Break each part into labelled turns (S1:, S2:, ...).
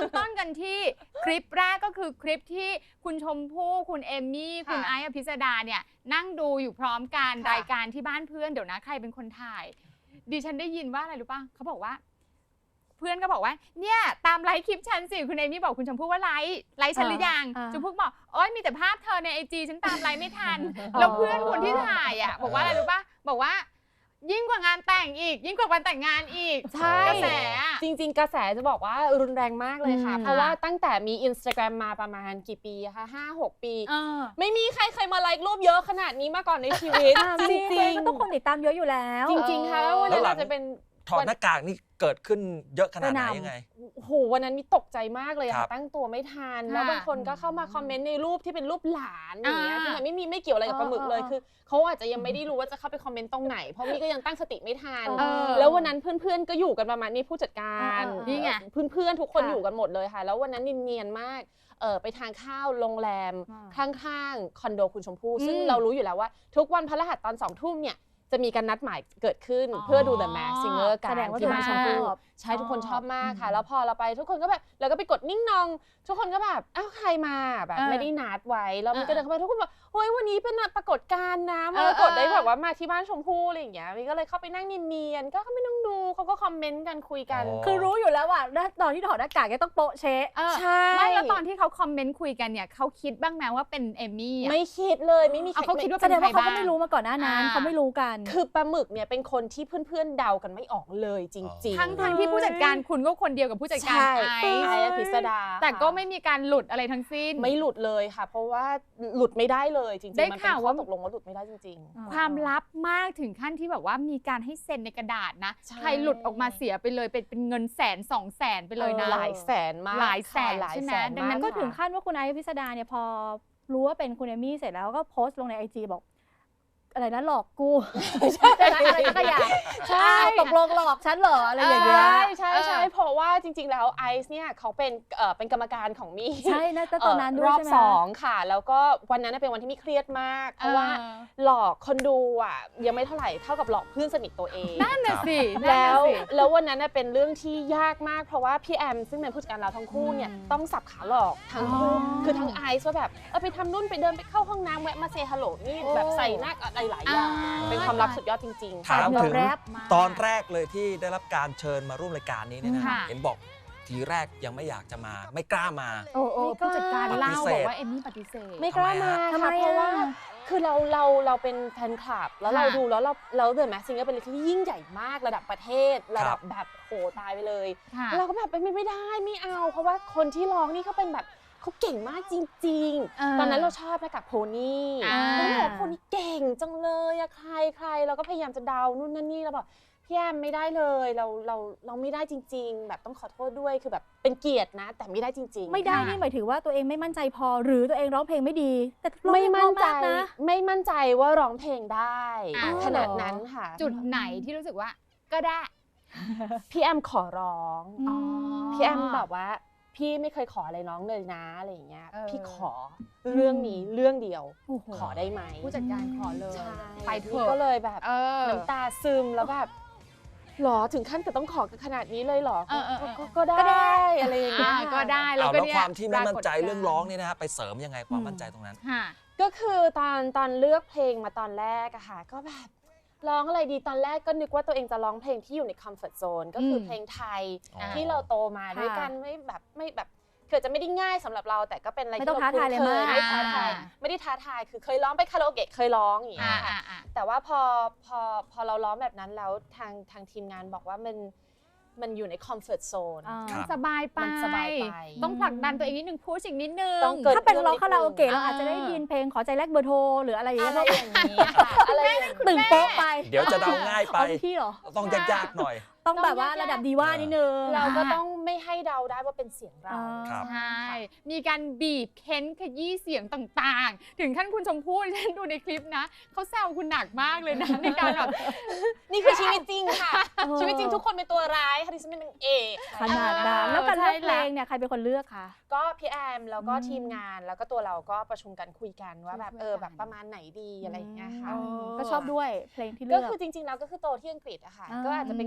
S1: ต้นกันที่คลิปแรกก็คือคลิปที่คุณชมพู่คุณเอมมี่คุณไอซ์อภิสดาเนี่ยนั่งดูอยู่พร้อมกันรายการที่บ้านเพื่อนเดี๋ยวนะใครเป็นคนถ่ายดิฉันได้ยินว่าอะไรรู้ป่ะเขาบอกว่าเพื่อนก็บอกว่าเนี่ยตามไลค์คลิปฉันสิคุณเอมมี่บอกคุณชมพู่ว่าไลค์ฉันหรือยังชมพู่บอกโอ๊ยมีแต่ภาพเธอในIGฉันตามไลค์ไม่ทันแล้วเพื่อนคนที่ถ่ายอ่ะบอกว่าอะไรรู้ป่ะบอกว่ายิ่งกว่างานแต่งอีกยิ่งกว่าวันแต่งงานอีก
S2: ใช่
S1: กระแส
S2: จริงๆกระแสจะบอกว่ารุนแรงมากเลยค่ะเพราะว่าตั้งแต่มี Instagram มาประมาณกี่ปีคะ5-6 ปีไม่มีใครเคยมาไลค์รูปเยอะขนาดนี้มาก่อนในชีวิตจริง
S3: ๆต้องคนติดตามเยอะอยู่แล้ว
S2: จริงๆค่ะแล้ววันนั้นอาจจะเป็น
S4: ถอดหน้ากากนี่เกิดขึ้นเยอะขนาดไหนยังไง
S2: โอ้โหวันนั้นมีตกใจมากเลยค่ะตั้งตัวไม่ทันแล้วบางคนก็เข้ามาคอมเมนต์ในรูปที่เป็นรูปหลานอย่างเงี้ยที่มันไม่เกี่ยวอะไรกับปลาหมึกเลยคือเขาอาจจะยังไม่ได้รู้ว่าจะเข้าไปคอมเมนต์ตรงไหนเพราะมี่ก็ยังตั้งสติไม่ทันแล้ววันนั้นเพื่อนๆก็อยู่กันประมาณนี้ผู้จัดการ
S1: นี่ไง
S2: เพื่อนๆทุกคนอยู่กันหมดเลยค่ะแล้ววันนั้นเนียนๆมากไปทานข้าวโรงแรมข้างๆคอนโดคุณชมพู่ซึ่งเรารู้อยู่แล้วว่าทุกวันพฤหัสตอน20 ทุ่มเนี่ยจะมีการนัดหมายเกิดขึ้นเพื่อดู The Masked Singer กันที่บ้านชมพู่ใช่ทุกคนชอบมากค่ะแล้วพอเราไปทุกคนก็แบบเราก็ไปกดนิ่งนองทุกคนก็แบบอ้าวใครมาแบบไม่ได้นัดไว้แล้วมันก็เดินเข้าไปทุกคนบอกเฮ้ยวันนี้เป็นปรากฏการณ์นะมรกตได้แบบว่ามาที่บ้านชมพู่อะไรอย่างเงี้ยมันก็เลยเข้าไปนั่งเนียนๆก็ไม่ต้องดูเขาก็คอมเมนต์กันคุยกัน
S3: คือรู้อยู่แล้วว่าตอนที่ถอดหน้ากากก็ต้องโป๊ะเช๊ะ
S2: ใช่
S1: ไม่แล้วตอนที่เขาคอมเมนต์คุยกันเนี่ยเขาคิดบ้างไหมว่าเป็นเอมมี่
S2: ไม่คิดเลยไม่มี
S1: เขาคิดว่า
S3: แสดงว่าเขาก็ไม่รู้มาก่อนหน้านั้นเขาไม่รู้กัน
S2: คือปลาหมึกเนี่ยเป็นคนที่เพื่อนๆเดากันไม่ออกเลยจริง
S1: ๆทั้งที่ผู้จัดการคุณก็คนเดียวกับผู้จัดการไอ
S2: ซ์อภิสดา
S1: แต่ก็ไม่มีการหลุดอะไรทั้งสิ้น
S2: ไม่หลุดเลยค่ะเพราะว่าหลุดไม่ได้เลยจริงๆมันเป็นข้อตกลงว่าหลุดไม่ได้จริง
S1: ๆความลับมากถึงขั้นที่แบบว่ามีการให้เซ็นในกระดาษนะใครหลุดออกมาเสียไปเลยเป็นเงิน100,000-200,000ไปเลยนะ
S2: หลายแสนมาก
S1: หลายแสนใช่ไหม
S3: ดังนั้นก็ถึงขั้นว่าคุณไอซ์อภิสดาเนี่ยพอรู้ว่าเป็นคุณเอมี่เสร็จแล้วก็โพสต์ลงใน IG บอกอะไรนะหลอกกูใช่อะไรก็อย่าใช่ตกลงหลอกฉันเหรออะไรอย่างเงี้ย
S2: ใช่เพราะว่าจริงๆแล้วไอซ์เนี่ยเขาเป็นกรรมการของมี่
S3: ใช่นะตอนนั้นด้วย
S2: รอบ2ค่ะแล้วก็วันนั้นเป็นวันที่มี่เครียดมากเพราะว่าหลอกคนดูอ่ะยังไม่เท่าไหร่เท่ากับหลอกเพื่อนสนิทตัวเอง
S1: นั่นน่ะสิ
S2: แล้ววันนั้นเป็นเรื่องที่ยากมากเพราะว่าพี่แอมซึ่งเป็นผู้จัดการเราทั้งคู่เนี่ยต้องสับขาหลอกทั้งคู่คือทั้งไอซ์ว่าแบบไปทำนู่นไปเดินไปเข้าห้องน้ำแวะมาเซฮัลโหลนี่แบบใส่หน้าอะไรหลายอย่างเป็นความลับสุดยอดจริงๆ
S4: ถามถึงตอนแรกเลยที่ได้รับการเชิญมาร่วมรายการนี้เนี่ยนะเห็นบอกทีแรกยังไม่อยากจะมาไม่กล้ามา
S1: ผู้จัดการเล่าบอกว่าเอมมี่ปฏิเสธ
S2: ไม่กล้ามาค่ะเพราะว่าคือเราเป็นแฟนคลับแล้วเราดูแล้วเราThe Masked Singerเป็นที่ยิ่งใหญ่มากระดับประเทศระดับแบบโหตายไปเลยเราก็แบบไม่ได้ไม่เอาเพราะว่าคนที่ร้องนี่เขาเป็นแบบเขาเก่งมากจริงๆตอนนั้นเราชอบนะกับโพนี่แล้วแบบโพนี่เก่งจังเลยอะใครเราก็พยายามจะเดานู่นนั่นนี่แล้วบอกพี่แอมไม่ได้เลยเราไม่ได้จริงๆแบบต้องขอโทษด้วยคือแบบเป็นเกียรตินะแต่ไม่ได้จริงๆ
S3: ไม่ได้นี่หมายถึงว่าตัวเองไม่มั่นใจพอหรือตัวเองร้องเพลงไม่ดีแต่
S2: ไม่มั่นใจว่าร้องเพลงได้ขนาดนั้นค่ะ
S1: จุดไหนที่รู้สึกว่าก็ได้
S2: พี่แอมขอร้องพี่แอมแบบว่าพี่ไม่เคยขออะไรน้องเลยนะอะไรอย่างเงี้ยพี่ขอเรื่องนี้เรื่องเดียวขอได้ไหม
S1: ผู้จัดการขอเลย
S2: ไปเถอะก็เลยแบบน้ำตาซึมแล้วแบบหรอถึงขั้นกับต้องขอกันขนาดนี้เลยหรอก็ได้อะไรอย่างเงี้ย
S1: ก็ได้
S4: แล้วความที่ไม่มั่นใจเรื่องร้องนี่นะฮะไปเสริมยังไงความมั่นใจตรงนั้น
S2: ก็คือตอนเลือกเพลงมาตอนแรกอะค่ะก็แบบร้องอะไรดีตอนแรกก็นึกว่าตัวเองจะร้องเพลงที่อยู่ในคอมฟอร์ตโซนก็คือเพลงไทยที่เราโตมาด้วยกันไม่แบบเกิดจะไม่ได้ง่ายสำหรับเราแต่ก็เป็นอะไรที่เราคุ้นเคยไม่ท้าทายคือเคยร้องไปคาราโอเกะเคยร้องอย่างเงี้ยค่ะแต่ว่าพอเราร้องแบบนั้นแล้วทางทีมงานบอกว่ามันอยู่ในคอมฟอร์ตโซน
S1: สบายไปต้องผลักดันตัวเองนิดนึงพูดสิ่งนิดนึง
S3: ถ้าเป็นร้องคาราโอเกะเราอาจจะได้ยินเพลงขอใจแลกเบอร์โทรหรืออะไรอย่างเงี้ย
S2: อะไร
S3: ตึงโป๊ะไป
S4: เดี๋ยวจะเดาง่ายไป
S3: พี่เหรอ
S4: ต้องยากๆหน่อย
S3: ต้องแบบว่าระดับดีว่านิดนึง
S2: เราก็ต้องไม่ให้เดาได้ว่าเป็นเสียงเรา
S1: ใช่มีการบีบเค้นขยี้เสียงต่างๆถึงขั้นคุณชมพู่ฉันดูในคลิปนะเขาแซวคุณหนักมากเลยนะในการแบบ
S2: นี่คือชีวิตจริงค่ะชีวิตจริงทุกคนเป็นตัวร้ายค่ะดิฉันเป็นนางเอก
S3: ขนาดนั้นแล้วการเลือกเพลงเนี่ยใครเป็นคนเลือกคะ
S2: ก็พี่แอมแล้วก็ทีมงานแล้วก็ตัวเราก็ประชุมกันคุยกันว่าแบบแบบประมาณไหนดีอะไรอย่างเงี้ยค่ะ
S3: ก็ชอบด้วยเพลงที่เลื
S2: อกก็คือจริงๆแล้วก็คือโตที่อังกฤษอะค่ะก็อาจจะเป็นภา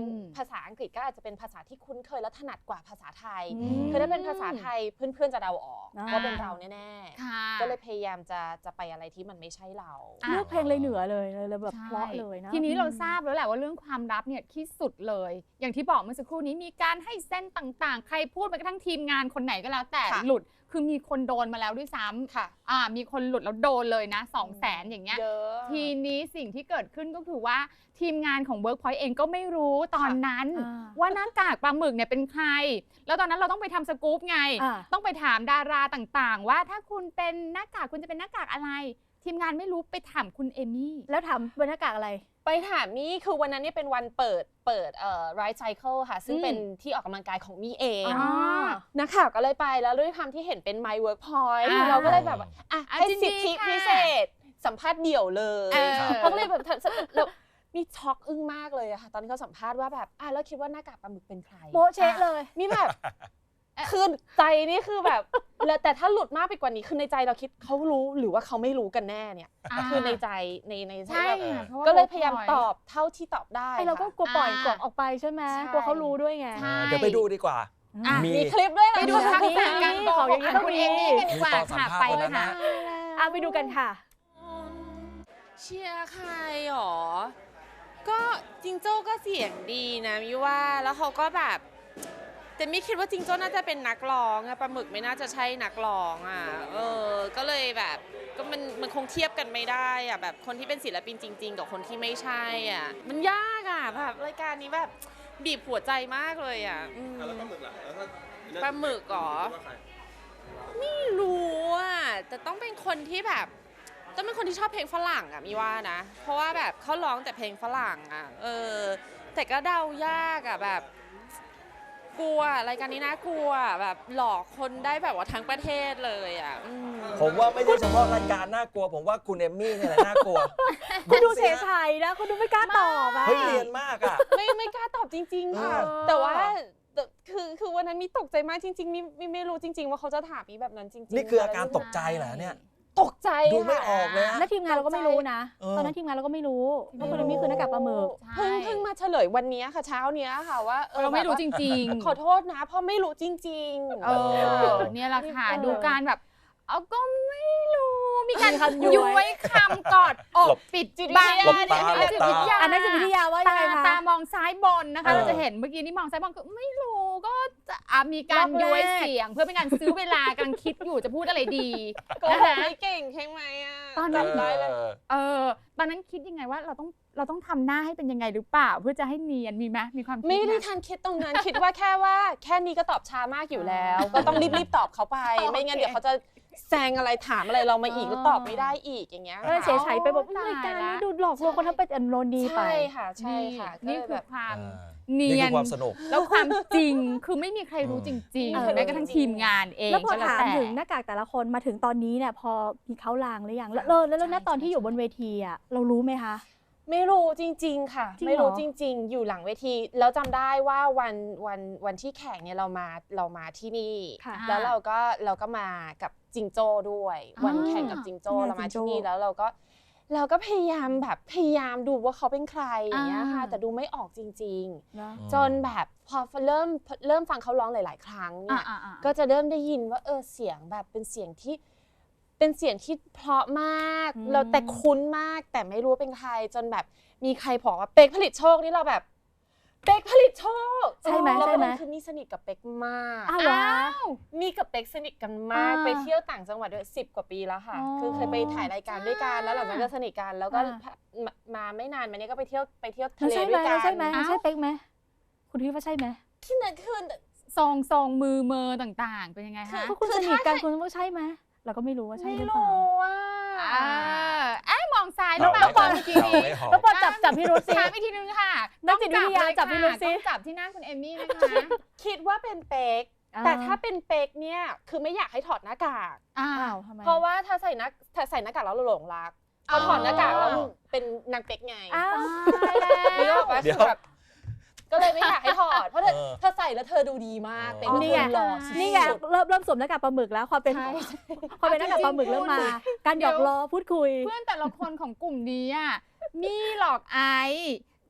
S2: ษาอังกฤษก็อาจจะเป็นภาษาที่คุ้นเคยและถนัดกว่าภาษาไทย
S3: อืม
S2: คือถ้าเป็นภาษาไทยเพื่อนๆจะเดาออก
S3: อ่า
S2: ว่าเป็นเราแน่
S1: ค่ะ
S2: ๆก็เลยพยายามจะไปอะไรที่มันไม่ใช่เรา
S1: อ่ะ
S3: เลือกเพลงเลยเหนือเลยแบบ
S1: ใช่
S3: เพราะเลยนะ
S1: ทีนี้เราทราบแล้วแหละว่าเรื่องความลับเนี่ยที่สุดเลย อย่างที่บอกเมื่อสักครู่นี้มีการให้เส้นต่างๆ ใครพูดไปกระทั่งทีมงานคนไหนก็แล้วแต่
S2: ค่ะ
S1: หลุดคือมีคนโดนมาแล้วด้วยซ้ำ
S2: ค่ะ
S1: มีคนหลุดแล้วโดนเลยนะ 200,000 อย่างเงี้ย
S2: เยอะ
S1: ทีนี้สิ่งที่เกิดขึ้นก็คือว่าทีมงานของ Workpoint เองก็ไม่รู้ตอนนั้น
S3: อ่า
S1: ว่าหน้ากากปลาหมึกเนี่ยเป็นใคร แล้วตอนนั้นเราต้องไปทำสกู๊ปไง
S3: อ่า
S1: ต้องไปถามดาราต่างๆ ว่าถ้าคุณเป็นหน้ากากคุณจะเป็นหน้ากากอะไร ทีมงานไม่รู้ไปถามคุณเอมี่
S3: แล้วถามบรรยากาศอะไร
S2: ไปถามมี่คือวันนั้นเนี่ยเป็นวันเปิดRide Cycle ค่ะ ซึ่งเป็นที่ออกกำลังกายของมี่เอง
S3: อ๋อ
S2: นักข่าวก็เลยไปแล้วด้วยความที่เห็นเป็น My Workpoint
S1: อ่า
S2: เราก็เลยแบบว่าให้
S1: จริงๆ
S2: สิทธิ
S1: ค่ะ
S2: พิเศษ สัมภาษณ์เดี่ยวเลย
S1: ครับ
S2: เขาก็เลยแบบเรามีช็อกอึ้งมากเลยอะค่ะ ตอนที่เขาสัมภาษณ์ว่าแบบแล้วคิดว่าหน้ากากปลาหมึกเป็นใคร
S3: โบ๊ะเชะเลย
S2: มีแบบคือใจนี่คือแบบแล้วแต่ถ้าหลุดมากไปกว่านี้คือในใจเราคิดเขารู้หรือว่าเขาไม่รู้กันแน่เนี่ย คือในใจใน
S1: ใช่
S2: แบบ
S1: ค่ะเพราะว่า
S2: ก็เลยพยายาม
S1: Workpoint
S2: ตอบเท่าที่ตอบได้
S3: ไอเราก็
S2: ค่ะ
S3: กลัวปล่อย
S1: อ่า
S3: กดออกไปใช่ไหม
S2: ใช่
S3: กลัวเขารู้ด้วยไง
S1: ใช่
S4: เดี๋ยวไปดูดีกว่า
S1: อ่ะ
S4: มี
S2: มีคลิปด้วยเหรอ
S1: ไปดูทักษะการโก
S3: ของอย่างนี้
S1: ของคุณเอมี่กันดีกว่า
S4: มีตอนสัม
S1: ค่ะ
S4: ภาษณ์
S1: ไป
S4: วันนั้
S1: เลย
S4: น
S1: ค่ะ
S4: นะ
S3: ไปดูกันค่ะ
S5: เชียร์ใครหรอ ก็จิงโจ้ก็เสียงดีนะมิว่าแล้วเขาก็แบบแต่ไม่คิดว่าจิงโจ้น่าจะเป็นนักร้องอะปลาหมึกไม่น่าจะใช่นักร้องอะก็เลยแบบก็มันคงเทียบกันไม่ได้อะแบบคนที่เป็นศิลปินจริง ๆ กับคนที่ไม่ใช่อะมันยากอะแบบรายการนี้แบบบีบหัวใจมากเลยอะ
S6: แล้วปลาหมึกล่ะแล้วถ้า
S5: ปลาหมึกเหรอ
S6: ว่าใคร
S5: ไม่รู้อ่ะแต่ต้องเป็นคนที่แบบต้องเป็นคนที่ชอบเพลงฝรั่งอ่ะมีว่านะ เพราะว่าแบบเขาร้องแต่เพลงฝรั่งอ่ะแต่ก็เดายากอ่ะแบบกลัวรายการนี้น่ากลัวแบบหลอกคนได้แบบว่าทั้งประเทศเลยอ่ะ
S4: ผมว่าไม่ใช่เฉพาะรายการน่ากลัว ผมว่าคุณเอมมี่เนี่ยแหละน่ากลัว
S3: คุณดูเฉยๆนะคุณดูไม่กล้าตอบอ่ะ
S4: เฮ้ยเรียนมากอ่ะ
S2: ไม่กล้าตอบจริง ๆ ค่ะ
S4: เออ
S2: แต่ว่าคือวันนั้นมีตกใจมากจริงๆมีไม่รู้จริง ๆ ว่าเขาจะถามมีแบบนั้นจริงๆ
S4: นี่คืออาการตกใจเหรอเนี่ย
S2: ตกใจ
S4: ดูไม่อ
S2: ค่ะ
S4: อกเลยอะ
S3: แล้วทีมงานเราก็ไม่รู้นะ
S4: เออ
S3: ตอนนั้นทีมงานเราก็ไม่รู้ว่าคุณเอมี่คือหน้ากากปลาหมึก
S1: ใช่
S2: เพิ่งมาเฉลยวันนี้ค่ะเช้าเนี้ยค่ะว่า
S1: เราไม่รู้
S2: แบบว่า
S1: จริงๆ
S2: ขอโทษนะเพราะไม่รู้จริงๆ
S1: เนี่ยแหละค่ะ
S2: เออ
S1: ดูการแบบเอาก็ไม่รู้มีการ
S3: มีคำย้วย
S1: ย้วยคำกอดอก
S4: หลบ
S1: ปิด
S2: จิตวิ
S1: บัง
S2: ทยา
S4: หลบตา
S1: เนี่ย
S4: หลบตา
S1: จิตวิทยา
S3: อันนั้นจิตวิทยาว่ายังไงคะ
S1: ตามองซ้ายบนนะคะ
S4: เออ
S1: เราจะเห็นเมื่อกี้นี่มองซ้ายบนคือไม่รู้ก็จะมีการ
S3: รอบแรก
S1: ย้วยเสียง เพื่อเป็นการซื้อเวลากำลังคิดอยู่จะพูดอะไรดี
S2: โกหกไม่เก่งใช่ไหมอ่ะ
S1: ตอนนั้น
S2: จำได้เลย
S1: ตอนนั้นคิดยังไงว่าเราต้องทำหน้าให้เป็นยังไงหรือเปล่า เพื่อจะให้เนียนมีไหมมีความคิด
S2: ไม่ได้
S1: ห
S2: ทันคิดตรงนั้น คิดว่าแค่นี้ก็ตอบช้ามากอยู่แล้ว ก็ต้องรีบตอบเขาไป ไม่งั้นเดี๋ยวเขาจะแซงอะไรถามอะไรเรามาอีกแล้วตอบไม่ได้อีกอย่างเงี้ย
S3: ก็เลยเฉยๆไปบอก
S1: ตายละ
S3: รายการนี้ดูหลอกลวงคนทั้งเป็นโนนีไป
S2: ใช่ค่ะใช่ค่ะ
S1: นี่
S2: ก็เลย
S1: คื
S2: แบ
S1: อบ ความ
S4: อ่า
S1: เนี
S4: นี่
S1: ย
S4: คื
S1: น
S4: อความสนุก
S1: แล้วความจริงคือไม่มีใครรู้จริง
S3: เออ
S1: ๆแม้กระทั่งทีมงานเอง
S3: แล้วพอ
S1: ก็
S3: ถาม
S1: แต่
S3: ถึงหน้ากากแต่ละคนมาถึงตอนนี้เนี่ยพอมีเขาลางหรือยังแล้วณตอนที่อยู่บนเวทีอ่ะเรารู้ไหมคะ
S2: ไม่รู้จริง ๆ ค่ะ
S3: จริงเหรอ
S2: ไม่รู้จริง ๆ อยู่หลังเวทีแล้วจำได้ว่าวันที่แข่งเนี่ยเรามาที่นี่
S3: ค่ะ
S2: แล้วเราก็มากับจิงโจ้ด้วย วันแข่งกับจิงโจ้
S3: อ่า
S2: เรามา
S3: จิงโจ้
S2: ที่นี่แล้วเราก็พยายามดูว่าเขาเป็นใครอย่างเงี้ยค่ะ แต่ดูไม่ออกจริง
S3: เนอะ
S2: ๆ จนแบบพอเริ่มฟังเขาร้องหลาย ๆ ครั้งเนี่ย
S1: ๆ
S2: ก็จะเริ่มได้ยินว่าเสียงแบบเป็นเสียงที่เพราะมาก
S3: อืม
S2: เราแต่คุ้นมากแต่ไม่รู้ว่าเป็นใครจนแบบมีใครบอกว่าเป๊กผลิตโชคนี่เราแบบเป๊กผลิตโชค
S3: ใช่ไหม
S2: แล้ว
S3: ใช่
S2: ประ
S3: ไหม
S2: เด็นคือมีสนิทกับเป๊กมาก
S3: อ้าวเหรอ
S2: มีกับเป๊กสนิทกันมาก
S3: อ่า
S2: ไปเที่ยวต่างจังหวัดด้วย10 กว่าปีแล้วค่ะ
S3: อ๋อ
S2: คือเคยไปถ่ายรายการด้วยกันแล้วหลังจากนั้นก็สนิทกันแล้วก็
S3: อ่า
S2: มาไม่นานมาเนี้ยก็ไปเที่ยวทะ
S3: มัน
S2: เล
S3: ใช่ไหม
S2: ด้วยกัน
S3: ใช่ไหม
S1: อ้าว
S3: ใช่เป๊กไหมคุณคิดว่าใช่ไหม
S2: ที่นั่นคือ
S1: ทรงมือเมอต่างๆ เป็นยังไงคะ
S3: ก็คุณสนิทกันคุณว่าใช่ไหมเราก็ไม่รู้ว่าใช่
S2: ไม่
S3: หรือเปล่า
S2: รู้อ่ะ
S1: มองซ้ายหรือเปล่า
S4: เอา
S1: บอล
S4: ไม่
S1: เมื่อกี้
S4: เอา
S1: นี้
S4: ไม่หอม
S3: แล้วพอจับพี่รุธสิ
S1: ถามอีกทีนึงค่ะ
S3: นักจิตวิทยาจับพี่รุธสิ
S1: ต้องจับที่หน้าคุณเอมี่นะคะ
S2: คิดว่าเป็นเป๊ก
S3: อ่า
S2: แต่ถ้าเป็นเป๊กเนี่ยคือไม่อยากให้ถอดหน้ากาก
S1: อ้า
S3: อ้าว วทำไม
S2: เพราะว่าถ้าใส่หน้ากากแล้วเราหลงรักพอถอดหน้ากากแล้วเป็นนางเป๊กไง
S3: อ้าว
S1: ตายแล้ว
S2: นึกออกปะ
S4: เดี๋
S2: คื
S4: ยว
S2: อแบบก็เลยไม่อยากให้ถอดเพราะเธอใส่แล้วเธอดูดีมาก
S4: อ๋อ
S2: เป็น
S3: นี่ไง
S2: หล่อสุดๆ
S3: นี่ไงเริ่มสวมหน้ากากปลาหมึกแล้วความเป็น
S2: ใช่
S3: ความเป็นหน้ากากปลาหมึกเริ่มมา การหยอกล้อพูดคุย
S1: เพื่อนแต่ละคนของกลุ่มนี้อะมี่หลอกไอซ์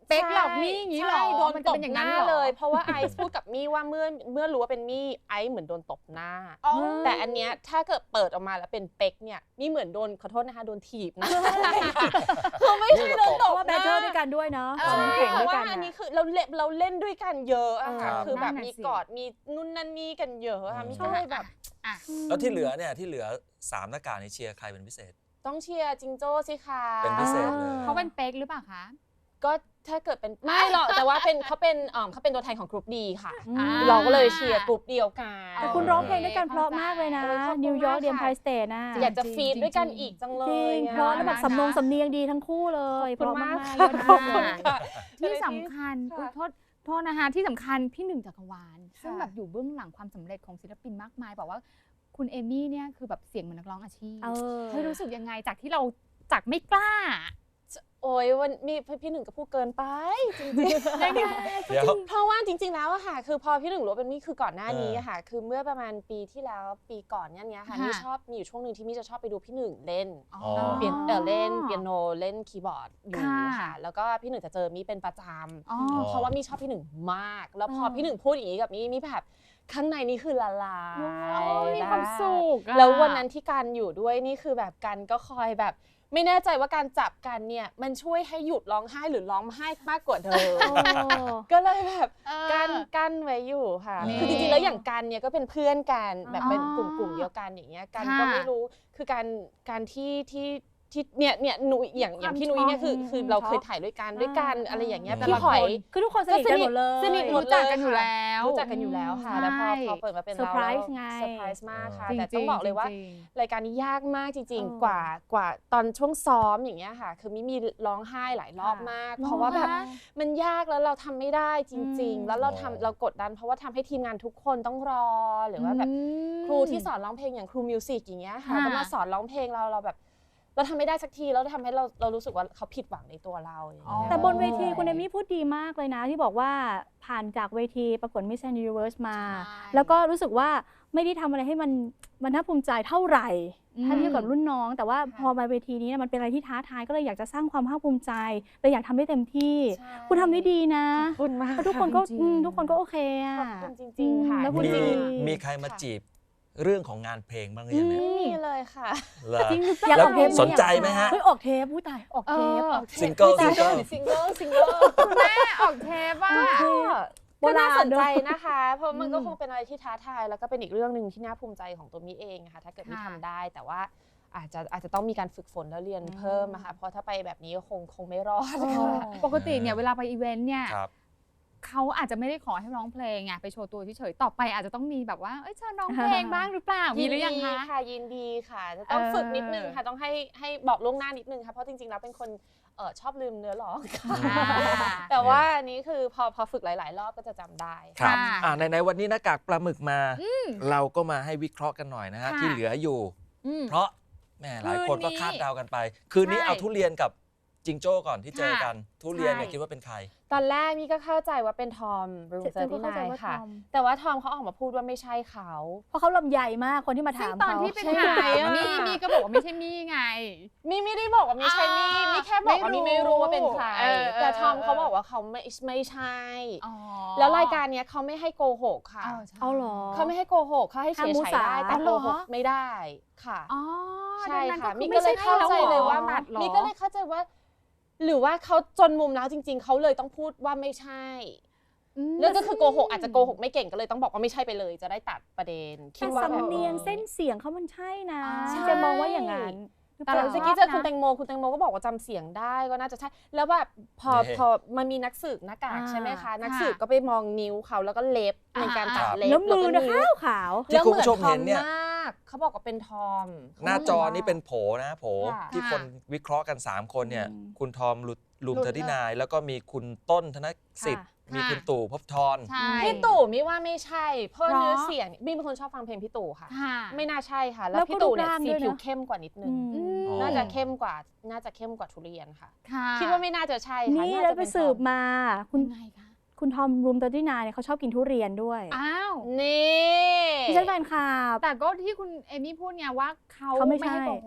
S1: เป๊กหลอกมี่อย่างนี้เหรอ
S2: ใช่โดน
S1: มัน
S2: ต
S1: จะ
S2: บ
S1: เป็นอย่าง
S2: ห
S1: นั้น
S2: น้า
S1: เหรอ
S2: เลย เพราะว่าไอซ์พูดกับมี่ว่าเมื่อรู้ว่าเป็นมี่ไอซ์เหมือนโดนตบหน้า
S1: อ๋อ
S2: แต่อันเนี้ยถ้าเกิดเปิดออกมาแล้วเป็นเป๊กเนี่ยมี่เหมือนโดนขอโทษนะคะโดนถีบนะคือไม่ใช่โดนต
S3: เพราะ
S2: บ
S3: ว่า
S2: ห
S3: แบ
S2: น้า
S3: ทเทิลด้วยกันด้วยเนาะ
S1: เออ
S3: ตอนนั้นแข่ง
S2: เพ
S3: ด้วย
S2: ราะ
S3: กั
S2: ว่าน อันนี้คือเราเล่นด้วยกันเยอะอะค่ะ
S3: เออ
S2: คือแบบ
S1: นั่นน่ะ
S2: มี
S1: สิ
S2: กอดมีนู่นนั่นนี่กันเยอะอะมี่
S4: อืม
S2: ก็เลยแบบ
S1: อ่ะ
S4: แล้วที่เหลือเนี่ยที่เหลือ3หน้ากากในเชียร์ใครเป็นพิเศษ
S2: ต้องเชียร์จิงโจ้สิคะ
S4: เป็นพิเศษเลย
S1: เขาเป็นเป๊กหรือเปล่าคะ
S2: ก็ถ้าเกิดเป็นไม่หรอกแต่ว่าเขาเป็นตัวแทนของกรุ๊ปดีค่ะ
S3: อ่า
S2: เราก็เลยเชียร์กรุ๊ปเดียวกัน
S3: แต่คุณร้องเพลงด้วยกันเพราะมากเลยนะ
S2: โอ้ยขอบคุณ
S3: นิวยอร์ก
S2: มาก
S3: เดียม
S2: ค่ะ
S3: ไพรสเตทน่ะ
S2: อยากจะ
S1: จริง
S2: ฟีดด้วยกันอีกจังเล
S3: จริ
S2: ย
S3: ง
S2: อะ
S3: เพราะแล้วแบบ
S1: น่ารัก
S3: สำเนียงดีทั้งคู่เลยเพ
S2: ขอบ
S3: ราะ
S2: คุณ
S3: มาม
S2: าก
S3: กๆ
S2: ค่ะ
S3: ยอด
S2: ขอบ
S3: เยี่
S2: คุณ
S3: ยม
S2: ค่ะ
S1: ที่สำคัญ
S2: ค่ะ
S1: โทษนะคะที่สำคัญพี่หนึ่งจักรวาลซึ่ง
S2: ค่ะ
S1: แบบอยู่เบื้องหลังความสำเร็จของศิลปินมากมายบอกว่าคุณเอมี่เนี่ยคือแบบเสียงเหมือนนักร้องอาชีพ
S3: เออ
S1: เธอรู้สึกยังไงจากที่เราจากไม่กล้า
S2: โอ้ยวันมีพี่หนึ่งก็พูดเกินไปจริง
S1: ได้ไง
S4: เดี๋ยว
S2: ๆเพราะว่าจริง ๆแล้วอะค่ะ คือพอพี่หนึ่งรู้ว่าเป็นมี่คือก่อนหน้านี้
S4: เออ
S2: อะค่ะ คือเมื่อประมาณปีที่แล้วปีก่อนเนี้ยค่ะ
S1: ค่ะ
S2: มี่ชอบมีอยู่ช่วงหนึ่งที่มี่จะชอบไปดูพี่หนึ่งเล่น
S4: อ๋อ
S2: เล่นเปียโนเล่นคีย์บอร์ดอยู่
S1: ค่ะ
S2: ค่ะ แล้วก็พี่หนึ่งจะเจอมี่เป็นประจ
S1: อ๋อ
S2: ำเพราะว่ามี่ชอบพี่หนึ่งมาก แล้วพอพี่หนึ่งพูดอย่างนี้กับมี่แบบข้างในนี่คือละลาย
S1: มีความสุขอะ
S2: แล้ววันนั้นที่การอยู่ด้วยนี่คือแบบกันก็คอยแบบ ไม่แน่ใจว่าการจับกันเนี่ยมันช่วยให้หยุดร้องไห้หรือร้องไห้มากกว่าเดิม
S3: โอ้
S2: ก็เลยแบบ
S1: เออ
S2: กั้นไว้อยู่ค่ะ
S4: นี่
S2: คือจริงๆแล้วอย่างกันเนี่ยก็เป็นเพื่อนกันแบบเป็น
S1: อ๋อก
S2: ลุ่มเดียวกันอย่างเงี้ยกัน
S1: ค่ะ
S2: ก็ไม่รู้คือการที่เนี่ยหนูอย่างพี่นุ้ยเนี่ยคือเราเคยถ่ายด้วยกันอะไรอย่างเงี้ย
S4: แต่
S2: พี่
S4: ละ
S2: หอย
S3: คือทุกคนสนิทกันหมดเลย
S2: สนิทหมด
S1: รู้จักกันอยู่แล้ว
S2: รู้จักกันอยู่แล้วค่ะ
S1: ใช่
S2: แล้วพอเปิดมาเป็นเรา
S3: เซอร์ไพรส์ไง
S2: เซอร์ไพรส์มากค่ะ
S1: จริงๆ
S2: แต่ต้องบอกเลยว่า
S1: จริง
S2: รายการนี้ยากมากจริง
S3: เออ
S2: ๆ กว่าตอนช่วงซ้อมอย่างเงี้ยค่ะ คือมีร้องไห้หลายรอบมาก
S1: ๆ
S2: เพราะว่าแบบ
S1: หรอคะ
S2: มันยากแล้วเราทำไม่ได้จริง
S3: อืม
S2: ๆ แล้วเรากดดัน เพราะว่าทำให้ทีมงานทุกคนต้องรอหรือว่าแบบครูที่สอนร้องเพลงอย่างครูมิวสิกอย่างเงี้ยค่ะ
S1: ค่ะ
S2: ก็มาสอนร้องเพลงเราแบบ เราทำไม่ได้สักทีแล้วทำให้เรารู้สึกว่าเขาผิดหวังในตัวเราอย่างเงี้ย
S3: แต่บนเวทีคุณเอมี่พูดดีมากเลยนะ ที่บอกว่าผ่านจากเวทีประกวด Miss Universe มา
S2: ใช่
S3: แล้วก็รู้สึกว่าไม่ได้ทำอะไรให้มันน่าภูมิใจเท่าไหร่ ถ้าเทียบกับรุ่นน้อง แต่ว่าพอมาเวทีนี้มันเป็นอะไรที่ท้าทายก็เลยอยากจะสร้างความภาคภูมิใจเลยอยากทำได้เต็มที่
S2: ใช่
S3: คุณทำได้ดีนะ
S2: ขอบคุณมาก
S3: แล้วทุกคนก็
S1: จริงๆ
S3: ทุกคนก็โอเคอ่ะ
S2: ขอบคุณจริงๆค่ะ
S3: แล้วคุณ
S4: มี
S3: ดี
S4: มีใครมาจีบเรื่องของงานเพลงบ้างหรือยังเนี่ย
S2: ไม่มีเลยค่ะ
S4: เหรอ
S3: จริงหรือเปล่า
S4: แล้ว
S3: ออกเทป
S4: สนใจไหมฮะ
S3: เฮ้ยออกเทปผู้ตายออกเทป
S1: เออ
S3: ออกเทป
S4: ซิงเกิล
S3: อุ๊ยตาย
S4: ซิงเกิล
S2: ซิงเกิล
S1: คุณแม่ออกเทปว่า
S2: ก็น่าสนใจ
S3: โบราณเนอะ
S2: นะคะ เพราะมันก็
S3: อืม
S2: คงเป็นอะไรที่ท้าทายแล้วก็เป็นอีกเรื่องหนึ่งที่น่าภูมิใจของตัวมิเองค่ะถ้าเกิดมิ
S1: ค่ะ
S2: ทำได้ แต่ว่าอาจจะต้องมีการฝึกฝนแล้วเรียนเพิ่มนะคะเพราะถ้าไปแบบนี้ก็คงไม่รอด
S3: อ๋อ
S2: ค่ะ
S1: ปกติเนี่ยเวลาไปอีเวนต์เนี่ย
S4: ครับ
S1: เขาอาจจะไม่ได้ขอให้ร้องเพลงไงไปโชว์ตัวเฉยๆต่อไปอาจจะต้องมีแบบว่าเอ้ยเชิญร้องเพลงบ้างหรือเปล่ามีหรือยังคะ
S2: ค่ะยินดีค่ะจะต้อง
S1: เออ
S2: ฝึกนิดนึงค่ะต้องให้บอกล่วงหน้านิดนึงค่ะเพราะจริงๆแล้วเป็นคนชอบลืมเนื้อร้องค่ะ
S1: อ่า
S2: แต่ว่าอันนี้คือพอฝึกหลายๆ รอบก็จะจำได้
S4: ครับ
S1: ค่ะ
S4: ในวันนี้หน้ากากปลาหมึกมา เราก็มาให้วิเคราะห์กันหน่อยนะฮะ
S1: ค่ะ
S4: ที่เหลืออยู่
S1: อืม
S4: เพราะแหม่หลายคนก็
S1: คืนนี้
S4: คาดเดากันไป คืนนี้
S1: ใช่
S4: เอาทุเรียนกับจิงโจ้ก่อนที่เจอกัน ทุเรียนเนี่ย
S1: ใช่
S4: คิดว่าเป็นใคร
S2: ตอนแรกนี่ก็เข้าใจว่าเป็นทอมรูม
S3: เจ
S2: เซอ
S3: อ
S2: ร์
S3: ก็
S2: ที่
S3: เข้าใจ
S2: นาย
S3: ว่า
S2: ค่ะ
S3: ทอม
S2: แต่ว่าทอมเขาออกมาพูดว่าไม่ใช่เขา
S3: เพราะเขาลำใหญ่มากคนที่มา
S1: ซึ่
S3: ถาง ม
S1: ตอน
S3: เขา
S1: ที่ไป
S2: ใช่
S1: ถาม
S2: ไหมอะ
S1: มี่ก็บอกว่าไม่ใช่มี่ไง
S2: มี่ไม่ได้บอกว่าไม่ใช่มี่
S1: อ่า
S2: มี่แค่บอกว่า
S1: ไม่รู้
S2: มี่ไม่รู้ว่าเป็นใคร
S1: เออ
S2: แต่ทอม
S1: เออ
S2: เขาบอกว่าเขาไม่ใช่
S1: อ๋อ
S2: แล้วรายการเนี้ยเขาไม่ให้โกหกค่ะ
S1: ใช่
S3: เอาเหรอ
S2: เขาไม่ให้โกหกเขาให้เฉ
S3: ห้าม
S2: ย
S3: มุ
S2: ๆ
S3: สา
S2: ได้แต่
S1: อ๋อเห
S2: โก
S1: รอ
S2: หกไม่ได้ค่ะ
S1: อ๋อ
S2: ใช่
S1: ดังนั้น
S2: ค่ะ
S1: ก็
S2: มี่
S1: คือ
S2: ก็เลย
S1: ไม่ใช่
S2: เข้าใจเลยว่า
S1: ตัดเหรอ
S2: มี่ก็เลยเข้าใจว่า หรือว่าเขาจนมุมแล้วจริง ๆเขาเลยต้องพูดว่าไม่ใช่
S1: อืม
S2: แล้วก็คือโกหกอาจจะโกหกไม่เก่งก็เลยต้องบอกว่าไม่ใช่ไปเลยจะได้ตัดประเด็นคิ
S3: แต่
S2: ดว่าแบบ
S3: สำเนียงเส้นเสียงเขามันใช่นะ
S1: ใช่
S3: จะมองว่าอย่างนั้นหรือ
S2: แต่
S3: เปล่า
S2: เมื่อกี้เจอคุณแตงโมก็บอกว่าจำเสียงได้ก็น่าจะใช่ แล้วแบบพอ
S4: นี่
S2: มันมีนักสืบหน้ากาก
S3: อ่า
S2: ใช่ไหมคะ
S1: ค่ะ
S2: นักสืบก็ไปมองนิ้วเขาแล้วก็เล็บในการตัด
S1: อ่า
S2: เล็บ
S3: แล้วมือนะ
S2: ก็
S3: ขาว
S4: ที่คุณผู้ชมเห็นเนี่ย
S2: แล้วหมือทอมมากเขาบอกว่าเป็นทอม
S4: หน้าจอนี้เป็นโผนะโผ
S2: ค่ะ
S4: ที่คนวิเคราะห์กัน 3 คนเนี่ย
S3: อืม
S4: คุณทอมลุมเทอร์ที่นายแล้วก็มีคุณต้นธนสิทธิ์ มี
S1: ค่ะ
S4: คุณตู่ภพบทร
S1: ใช่
S2: พี่ตู่มิว่าไม่ใช่ เพราะ
S1: เพราะ
S2: เนื้อเสียงมี่เป็นคนชอบฟังเพลงพี่ตู่ค่ะ
S1: ค่ะ
S2: ไม่น่าใช่ค่ะ แล้
S3: แล้ว ว
S2: พี่ตู่เนี่ย
S3: ก็รูปร่าง
S2: สี
S3: ด้วยนะ
S2: ผิวเข้มกว่านิดนึง
S3: อืม
S4: อ๋อ
S2: น่าจะเข้มกว่าทุเรียนค่ะ
S1: ค่ะ
S2: คิดว่าไม่น่าจะใช่ค่ะ
S3: นี่
S2: น่า
S3: แล้ว
S2: จะ
S3: ไป
S2: เป็น
S3: สืบ
S2: ทอม
S3: มาคุ
S1: คุณ
S3: ณ
S1: ไงคะ
S3: คุณทอมรูมเตอร์ตี้นายเนี่ยเขาชอบกินทุเรียนด้วย
S1: อ้าว
S2: นี่
S3: ดิฉันแฟนคลับ
S1: แต่ก็ที่คุณเอมี่พูดไงว่าเขา
S3: เขาไม่
S1: ไม่ให้
S3: ใช่
S1: โกหก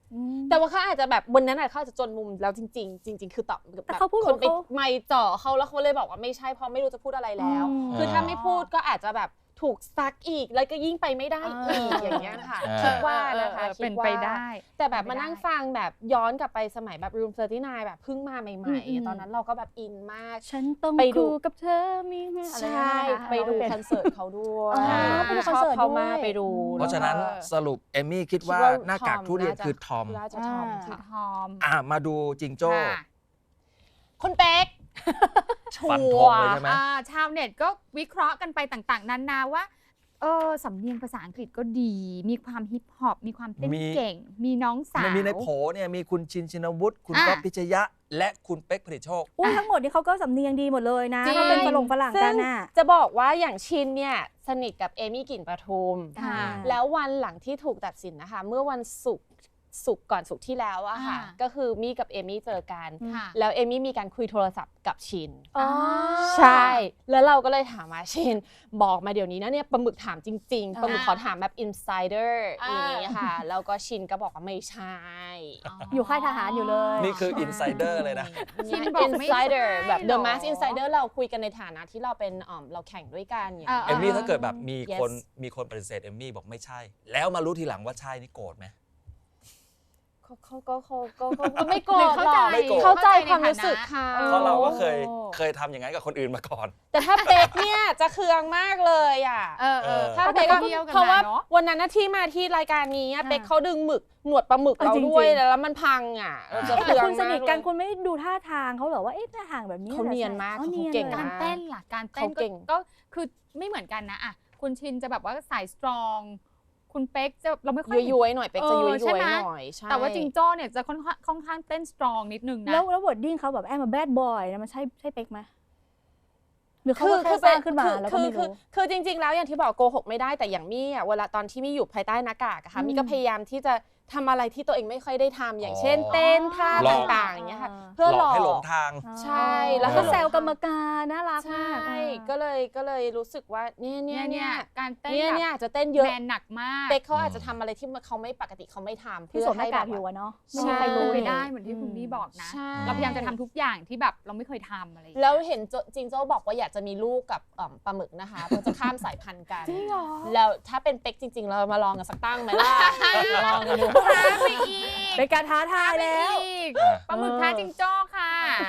S2: แต่ว่าเขาอาจจะแบบวันนั้นเขาอาจจะจนมุมแล้วจริงๆจริงๆคือตอบ
S3: แต่เขาพูด
S2: คนไป
S3: เขา
S2: ไม่จ่อเขาแล้วเขาเลยบอกว่าไม่ใช่เพราะไม่รู้จะพูดอะไรแล้ว คือถ้าไม่พูดก็อาจจะแบบถูกซักอีกแล้วก็ยิ่งไปไม่ได้อีกอย่างเงี้ยค่ะคิดว่านะคะ
S1: เป็นไปได้
S2: แต่แบบมานั่งฟังแบบย้อนกลับไปสมัยแบบ Room 39แบบเพิ่งมาใหม่ๆตอนนั้นเราก็แบบอินมาก
S3: ฉันต้อง
S2: ไปดู
S3: คู่กับเธอมีอะไร
S2: ใช่
S3: นะคะ
S2: ไปดูคอนเสิร์ตเขาด้วย
S3: อ๋อไปดูคอนเสิร์ต
S2: ชบเขามาก
S3: ด้วย
S2: ไปดู
S4: เพราะฉะนั้นสรุปเอมมี่คิดว่าหน้ากากทุเรียนคือทอม
S2: น่าจะทอม
S1: คือ
S2: ค่ะ
S1: ทอม
S4: มาดูจิงโจ้
S1: ค่ะ
S2: คุณเป๊ก
S4: ฟันธงเลยใช่ไหม
S1: ชาวเน็ตก็วิเคราะห์กันไปต่างๆนานาว่าสำเนียงภาษาอังกฤษก็ดี มีความฮิปฮอปมีความเต้นเก่ง มีน้องสาว
S4: มันมีในโผเนี่ยมีคุณชินชินวุฒิคุณ
S1: อ่ะ
S4: ก๊อฟพิชยะ และคุณเป๊กผลิตโชค
S3: อุ้ยทั้งหมดนี่เขาก็สำเนียงดีหมดเลยนะ
S2: จริง
S3: ถ้าเป็นฝรั่งกันน่ะ
S2: จะบอกว่าอย่างชินเนี่ยสนิทกับเอมี่กลิ่นประทุม
S1: ค่ะ
S2: แล้ววันหลังที่ถูกตัดสินนะคะ เมื่อวันศุกร์ก่อนศุกร์ที่แล้วอะค่ะ ก็คือมี่กับเอมี่เจอกัน
S1: ค่ะ
S2: แล้วเอมี่มีการคุยโทรศัพท์กับชิน
S3: อ๋อ
S2: ใช่ แล้วเราก็เลยถามว่าชินบอกมาเดี๋ยวนี้นะเนี่ยปลาหมึกถามจริงๆปลาหมึกขอถามแบบ insider อย่างนี้ค่ะ แล้วก็ชินก็บอกว่าไม่ใช่
S3: อยู่ค่ายทหารอยู่เลย
S4: นี่คืออินไซเดอร์เลยนะ
S1: ชินบอกไม่ใช่
S2: insider แบบ the
S1: หรอ
S2: mask insider เราคุยกันในฐานะที่เราเป็นเราแข่งด้วยกันอย่าง
S4: เอมมี่ถ้าเกิดแบบมี
S2: Yes
S4: คนปฏิเสธเอมมี่บอกไม่ใช่ แล้วมารู้ทีหลังว่าใช่นี่โกรธไหม
S2: เขาก็ไม่โกรธหรอก
S4: ไม่โกรธ
S2: เข้าใจความรู้สึกเขา
S4: เพราะเราก็เคยทำอย่างนั้นกับคนอื่นมาก่อน
S2: แต่ถ้าเป๊กเนี่ยจะเคืองมากเลยอ่ะ ถ้า
S1: ถ้า
S2: เป๊ก
S1: ก็
S2: ก็
S1: เที่ยวกัน
S2: เพราะว่า
S1: มาเนาะ
S2: วันนั้นน่ะที่มาที่รายการนี้อะ
S3: ค่ะ
S2: เป๊กเขาดึงหนวดปลาหมึก
S3: เออ
S2: เรา
S3: จริงๆ
S2: ด้วยแล้วมันพังอ่ะเราจะ
S3: แต่
S2: เคือง
S3: คุณส
S2: มาก
S3: นิทกัน
S2: เลย
S3: คุณไม่ดูท่าทางเขาเหรอว่าเอ๊ะท่าทางแบบนี้
S2: เขาเนียนมาก
S3: อ๋อ
S2: เขา
S3: นียน
S2: เก่ง
S3: ลย
S1: การเต้นล่ะการเต้น
S2: เขาเก่ง
S1: ก็คือไม่เหมือนกันนะอ่ะคุณชินจะแบบว่าสายสตรองคุณเป๊กจะเราไม่ค่อย
S2: ย้วยๆหน่อยเป๊กจะย้วย
S1: ใช่ไหม
S2: ๆหน่อยใช่
S1: แต่ว่าจิงโจ้เนี่ยจะค่อนข้างเต้นสตรองนิดนึงนะ
S3: แล้ววอร์ดดิ้งเขาแบบแอมมาแบดบอยนะมันใช่เป๊กไหมหรือเขาก็แค่สร้างขึ้นมาแล้วก็ไม่รู้
S2: คือจริงๆแล้วอย่างที่บอกโกหกไม่ได้แต่อย่างมี่อ่ะเวลาตอนที่มี่อยู่ภายใต้หน้ากากอะค่ะมี่ก็พยายามที่จะทำอะไรที่ตัวเองไม่ค่อยได้ทำอย่างเช่น เต้นท่า
S4: หลอก
S2: ต่างๆอย่างเงี้ยค่ะ
S3: อ่า
S2: เพื่อ
S4: หล
S2: หล
S4: อก
S2: อก
S4: ให้หลงทาง
S2: ใช่แล้ว
S3: ก็
S2: ก็
S3: แซวกรรมการน่ารัก
S2: ใช่
S3: มาก
S2: ก็เลยรู้สึกว่าเนี่ย
S1: การเต้น
S2: เนี่ย
S1: แบบ
S2: จะเต้นเยอะ
S1: แมนหนักมาก
S2: เป๊กเขาอาจจะทำอะไรที่เขาไม่ปกติเขาไม่ทำ
S3: ที่สวมหน้ากากอยู่อะเนาะไม่มี
S2: ใช่
S3: ใครรู้
S1: ไป
S3: นี่
S1: ได้เหมือนที่คุณมี่บอกนะ
S2: ใช่
S1: เราพยายามจะทำทุกอย่างที่แบบเราไม่เคยทำอะไรอย่างเงี้ย
S2: แล้วเห็นจิงโจ้บอกว่าอยากจะมีลูกกับปลาหมึกนะคะเพื่อจะข้ามสายพันธุ์กัน
S3: จริงเหรอ
S2: แล้วถ้าเป็นเป๊กจริงๆ เรามาลองกันสักตั้งไหมล่ะ ลองกันดู
S1: ท้าไปอีก
S3: เป็นการท้าทายแล้ว
S1: อีกปลาหมึกท้าจิงโจ้ค่ะ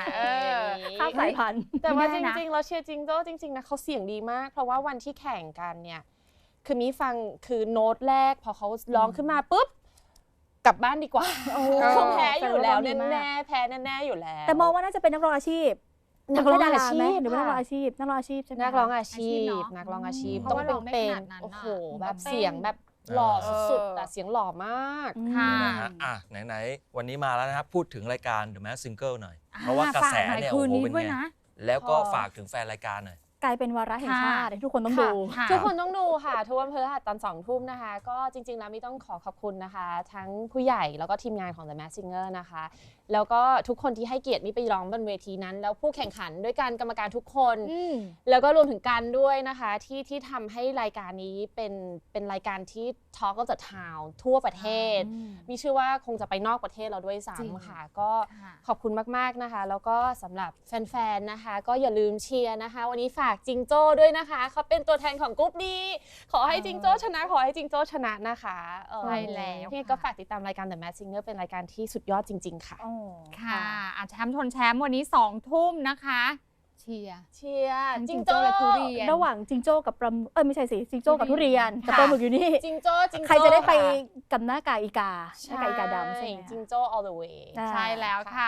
S3: ข้ามสายพันธุ์
S2: แต่ว่า
S1: ไม่
S2: จ
S1: ได้นะ
S2: ริงๆเราเชียร์จิงโจ้จริงๆนะเขาเสียงดีมาก เพราะว่าวันที่แข่งกันเนี่ยคือมีฟังคือโน้ตแรกพอเขาร้องขึ้นมาปุ๊บกลับบ้านดีกว่าเขาแพ้อยู่แล้วแน่ๆแพ้แน่ๆอยู่แล้ว
S3: แต่มองว่าน่าจะเป็นนักร้องอาชีพ
S2: นักร้องอาชีพ
S3: หรือว่านักร้อง
S2: ค่ะ
S3: อาชีพนักร้องอาชีพใช่ไหม
S2: นักร้องอาชี
S1: อาชีพ
S2: พ
S1: เนอะ
S2: นักร้องอาชีพ
S1: เพ
S2: ต้อ
S1: ราะ
S2: ง
S1: ว่า
S2: เป็น
S1: ร้องได้ขนาดนั้น
S2: โอ้โห
S1: น่ะ
S2: แบบ
S1: ต้องเต้น
S2: เสียงแบบหล่อสุดๆแต่เสียงหล่อมาก
S1: ค่ะ
S4: นะฮะไหนๆวันนี้มาแล้วนะครับ พูดถึงรายการ The Masked Singer หน่อย เพราะว่ากระแสเนี่ย
S1: คื
S4: โอ้
S1: น
S4: โห
S1: นี้
S4: เป็น
S1: ด้วย
S4: ไง
S1: นะ
S4: แล้วก็
S2: พอ
S4: ฝากถึงแฟนรายการหน่อย
S3: กลายเป็นวาระแห่งชาติที่ทุกคนต้องดู
S1: ค่ะ
S2: ทุกคนต้องดูค่ะ ทุกวันพฤหัสตอน2 ทุ่มนะคะ ก็จริงๆแล้วมีต้องขอขอบคุณนะคะ ทั้งผู้ใหญ่แล้วก็ทีมงานของ The Masked Singer นะคะ แล้วก็ทุกคนที่ให้เกียรติมิไปร้องบนเวทีนั้น แล้วผู้แข่งขันด้วยกันกรรมการทุกคน แล้วก็รวมถึงกันด้วยนะคะที่ทำให้รายการนี้เป็นรายการที่ Talk of the Town ทั่วประเทศ มีชื่อว่าคงจะไปนอกประเทศเราด้วย
S1: จริง
S2: ซ้ำค่ะ ก็
S1: ค่ะ
S2: ขอบคุณมากๆนะคะ แล้วก็สำหรับแฟนๆนะคะ ก็อย่าลืมเชียร์นะคะ วันนี้ฝากจิงโจ้ด้วยนะคะเขาเป็นตัวแทนของกรุ๊ปนี้ขอให้จิงโจ้ชนะขอให้จิงโจ้ชนะนะคะ
S1: ใช่แล้ว
S2: พี่ก็ฝากติดตามรายการ The Masked Singer เป็นรายการที่สุดยอดจริง ๆ ค่ะ
S1: ค่ะแชมป์ชนแชมป์วันนี้2 ทุ่มนะคะ เชียร์
S2: เชียร์
S1: ทั้ง
S2: จิงโจ้
S1: และทุเรียน
S3: ระหว่างจิงโจ้กับปลาไม่ใช่สิจิงโจ้กับทุเรียนกับ
S1: ค่ะ
S3: ปลาหมึกอยู่นี่
S2: จิงโจ้
S3: ใครจะได้ไป
S2: ค่
S3: กับหน้ากากอีกาหน้ากากอีกาดำใช่ไหม
S2: จิงโจ้ all the way
S3: อ่า
S1: ใช่แล้วค่ะ